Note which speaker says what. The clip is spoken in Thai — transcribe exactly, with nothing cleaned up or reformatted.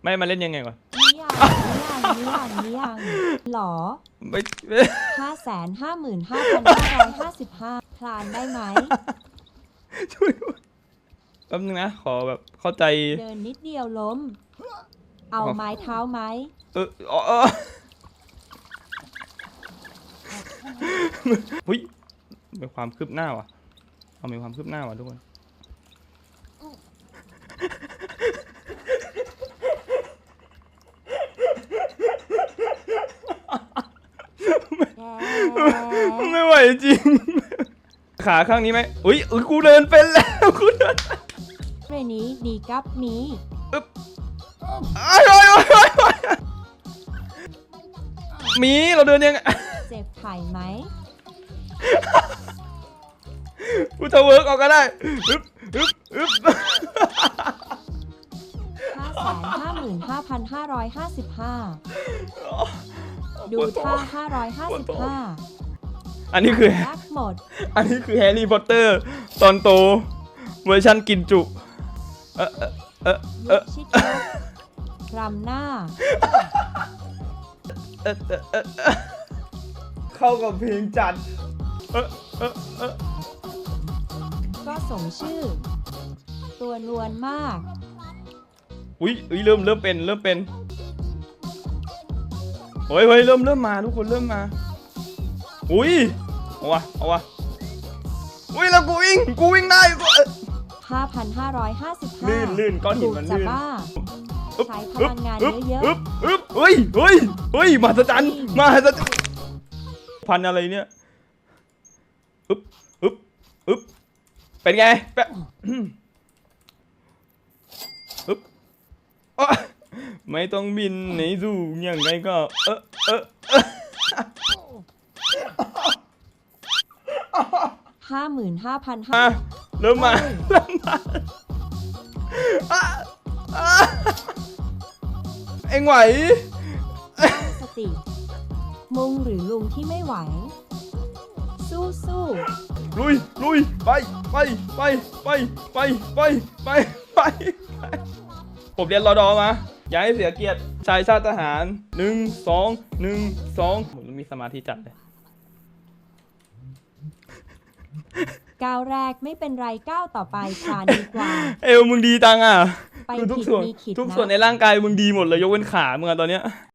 Speaker 1: ไม่มาเล่นยังไงวะ
Speaker 2: นิยังนิยังนิยังนิยังหรอ
Speaker 1: ไม่
Speaker 2: ห้าแสนห้าหมื่นห้าพันห้าร้อยห้าสิบห้าพลานได้ไหม
Speaker 1: ช่วยแป๊บนึงนะขอแบบเข้าใจ
Speaker 2: เดินนิดเดียวล้มเอาไม้เท้าไหม
Speaker 1: เออเออเฮ้ยมีความคืบหน้าว่ะเอามีความคืบหน้าว่ะทุกคนไม่ไหวจริงขาข้างนี้ไหมอุ้ยอุ้ยกูเดินเป็นแล้วกูเดิน
Speaker 2: เรนี้ดีกับมี
Speaker 1: อึ๊บอ้ายอ้ายอ้ายอ้ายมีเราเดินยัง
Speaker 2: เจ็บไข่ไหม
Speaker 1: กูจะเวิร์กออกก็ได้อึ๊บอึ๊บอึ๊บ
Speaker 2: ห้าแสนห้าหมื่นห้าพันห้าร้อยห้าสิบห้าดูท่าห้าร้อยห้าสิบห้า
Speaker 1: อันนี้คือ
Speaker 2: หมด
Speaker 1: อันนี้คือแฮร์รี่พอตเตอร์ตอนโตเวอร์ชันกินจุเออเออเออ
Speaker 2: ชิดรำหน้า
Speaker 1: เออเออเออเข้ากับเพลงจัดเออเออเออ
Speaker 2: ก็สมชื่อตัวนวลมาก
Speaker 1: อุ้ยอุ้ยเริ่มเริ่มเป็นเริ่มเป็นเฮ้ยเฮ้ยเริ่มเริ่มมาทุกคนเริ่มมาอุ้ยเอาวะเอาวะอุ้ยแล้วกูวิ่งกูวิ่งได้กู
Speaker 2: ห้าพันห้าร้อยห้าสิบห้า
Speaker 1: ลื่นลื่นก้อนหินมันลื่น
Speaker 2: ใช้พลังงานเยอะ
Speaker 1: ๆอึ๊บเฮ้ยเฮ้ยเฮ้ยมหัศจรรย์มหัศจรรย์พันอะไรเนี่ยอึ๊บอึ๊บอึ๊บเป็นไงแปะอึ๊บไม่ต้องบินในสู่อย่างไรก็เออเออ
Speaker 2: ห้าหมื่นห้าพันห้า
Speaker 1: เริ่มมาเริ่มมาเอ็งไหว
Speaker 2: ตั้งสติมุงหรือลุงที่ไม่ไหวสู้สู้
Speaker 1: ลุยลุยไปไปไปไปไปไปไปไปผมเรียนรอดอมาอย่าให้เสียเกียรติชายชาติทหารหนึ่งสองหนึ่งสองผมมีสมาธิจัดเลย
Speaker 2: ก้าวแรกไม่เป็นไรก้าวต่อไปคลานดีกว่า
Speaker 1: เอวมึงดีจังอ่ะ
Speaker 2: ไป
Speaker 1: ทุกส่วนทุกส่วนในร่างกายมึงดีหมดเลยยกเว้นขามึงตอนเนี้ย